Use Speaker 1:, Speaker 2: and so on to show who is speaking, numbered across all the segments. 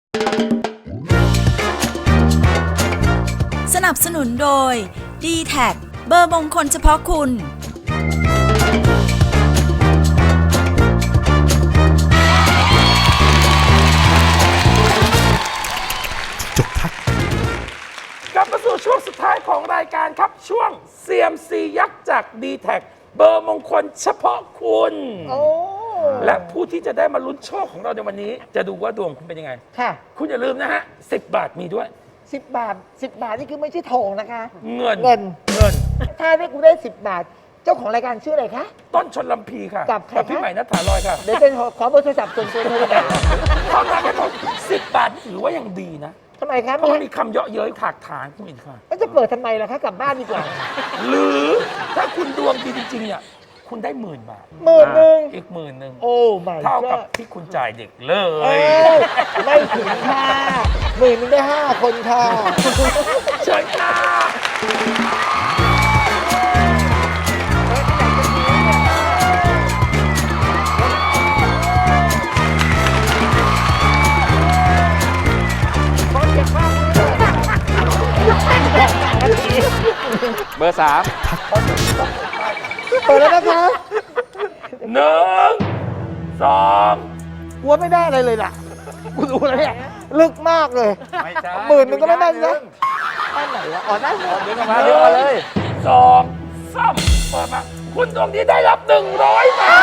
Speaker 1: สนับสนุนโดย D-TAC เบอร์มงคลเฉพาะคุณ
Speaker 2: กลับมาสู่ช่วงสุดท้ายของรายการครับช่วง CMC ยักษ์จาก D-TAC เบอร์มงคลเฉพาะคุณและผู้ที่จะได้มาลุ้นโชคของเราในวันนี้ จะดูว่าดวงคุณเป็นยังไง
Speaker 3: ค่ะ
Speaker 2: คุณอย่าลืมนะฮะ10 บาทมีด้วย
Speaker 3: 10 บาท10 บาทนี่คือไม่ใช่ทองนะคะ
Speaker 2: เงิน
Speaker 3: ถ้าได้กูได้10 บาท เจ้าของรายการชื่ออะไรคะ
Speaker 2: ต้นชนลำพีค่ะ
Speaker 3: กับใครคะ
Speaker 2: พี่ใหม่นัทธาลอยค่ะ
Speaker 3: เดี๋ยวเป็นขอเบอร์โทรศัพท์ส่วนตัวเธอเลย
Speaker 2: เท่านั้นก็ต้อง10 บาทถือว่ายังดีนะ
Speaker 3: ทำไมคะ
Speaker 2: เพราะมันมีคำเยาะเย้ยถากถางคุณอีกค่ะ
Speaker 3: แล้วจะเปิดทำไมล่ะคะกลับบ้านดีกว่า
Speaker 2: หรือถ้าคุณดวงดีจริงๆเนี่ยคุณได้10,000 บาท
Speaker 3: 10,000
Speaker 2: อีก10,000
Speaker 3: โอ้ไม่
Speaker 2: เท่ากับที่คุณจ่ายเด็กเล
Speaker 3: เอ้
Speaker 2: ย
Speaker 3: ยไม่ถึงค่ะ10,000ได้5 คนค่ะ
Speaker 2: เชิญค่ะ
Speaker 4: เบอร์ 3
Speaker 3: เปิดแล้วนะคะ
Speaker 2: 1 2
Speaker 3: กลัวไม่ได้อะไรเลยล่ะกูดูแล้วเนี่ยลึกมากเลย
Speaker 4: ไม่ใช่
Speaker 3: 10,000ก็ไม่ได้นะด้านไหนวะอ๋อด้านไหน
Speaker 4: ดึงออกมาดึงออกมาเลย
Speaker 2: 2 3เปิดมาคุณดวงดีได้รับ100 บาท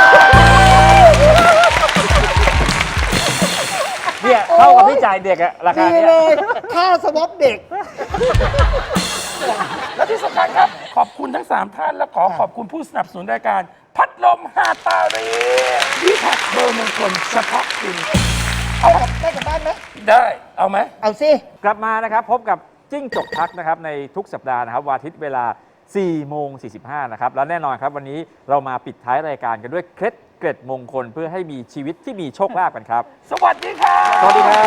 Speaker 4: เนี่ยเท่ากับที่จ่ายเด็กอะราคา
Speaker 3: ดี
Speaker 4: เนี้ย
Speaker 3: เลยค่าสวอปเด็ก
Speaker 2: และที่สำคัญครับขอบคุณทั้ง 3 ท่านและขอบคุณผู้สนับสนุนรายการ พัดลมฮาตารีที่แท็กเบอร์มงคลเฉพาะคุณ
Speaker 3: ได้กลับบ้านไหม
Speaker 2: ได้เอาไหม
Speaker 3: เอาสิ
Speaker 4: กลับมานะครับพบกับจิ้งจกทักนะครับในทุกสัปดาห์นะครับวันอาทิตย์เวลา 4:45 นะครับแล้วแน่นอนครับวันนี้เรามาปิดท้ายรายการกันด้วยเคล็ดเกร็ดมงคลเพื่อให้มีชีวิตที่มีโชคลาภกันครับ
Speaker 2: สวัสดีครับ
Speaker 4: สวัสดีครับ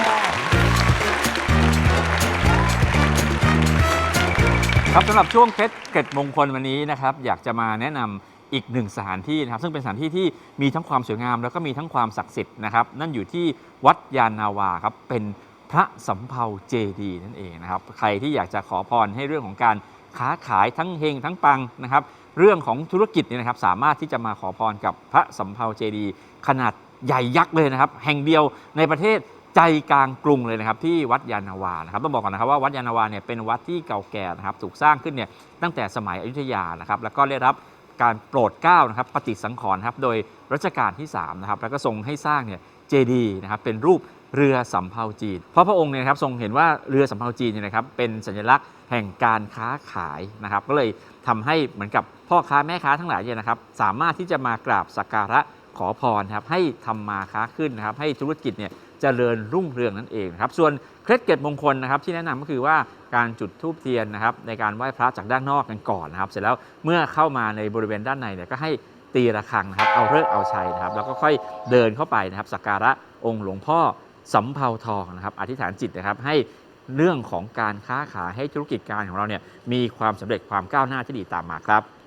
Speaker 4: ครับสำหรับช่วงเคล็ดเกร็ดมงคลวันนี้นะครับอยากจะมาแนะนำอีกหนึ่งสถานที่นะครับซึ่งเป็นสถานที่ที่มีทั้งความสวยงามแล้วก็มีทั้งความศักดิ์สิทธิ์นะครับนั่นอยู่ที่วัดยานนาวาครับเป็นพระสำเภาเจดีย์นั่นเองนะครับใครที่อยากจะขอพรให้เรื่องของการค้าขายทั้งเฮงทั้งปังนะครับเรื่องของธุรกิจเนี่ยนะครับสามารถที่จะมาขอพรกับพระสำเภาเจดีย์ขนาดใหญ่ยักษ์เลยนะครับแห่งเดียวในประเทศใจกลางกรุงเลยนะครับที่วัดยานนาวานะครับต้องบอกก่อนนะครับว่าวัดยานนาวาเนี่ยเป็นวัดที่เก่าแก่นะครับถูกสร้างขึ้นเนี่ยตั้งแต่สมัยอยุธยานะครับแล้วก็ได้รับการโปรดเกล้านะครับปฏิสังขรณ์ครับโดยรัชกาลที่3นะครับแล้วก็ทรงให้สร้างเนี่ยเจดีย์นะครับเป็นรูปเรือสำเภาจีนเพราะพระองค์เนี่ยนะครับทรงเห็นว่าเรือสำเภาจีนเนี่ยนะครับเป็นสัญลักษณ์แห่งการค้าขายนะครับก็เลยทำให้เหมือนกับพ่อค้าแม่ค้าทั้งหลายเนี่ยนะครับสามารถที่จะมากราบสักการะขอพรครับให้ทำมาค้าขึ้นนะครับให้ธุรกิจเนี่ยเจริญรุ่งเรืองนั่นเองนะครับส่วนเคล็ดเกร็ดมงคลนะครับที่แนะนำก็คือว่าการจุดธูปเทียนนะครับในการไหว้พระจากด้านนอกกันก่อนนะครับเสร็จแล้วเมื่อเข้ามาในบริเวณด้านในเนี่ยก็ให้ตีระฆังนะครับเอาฤกษ์เอาชัยนะครับแล้วก็ค่อยเดินเข้าไปนะครับสักการะองค์หลวงพ่อสำเภาทองนะครับอธิษฐานจิตนะครับให้เรื่องของการค้าขายให้ธุรกิจการของเราเนี่ยมีความสำเร็จความก้าวหน้าที่ดีตามมาครับ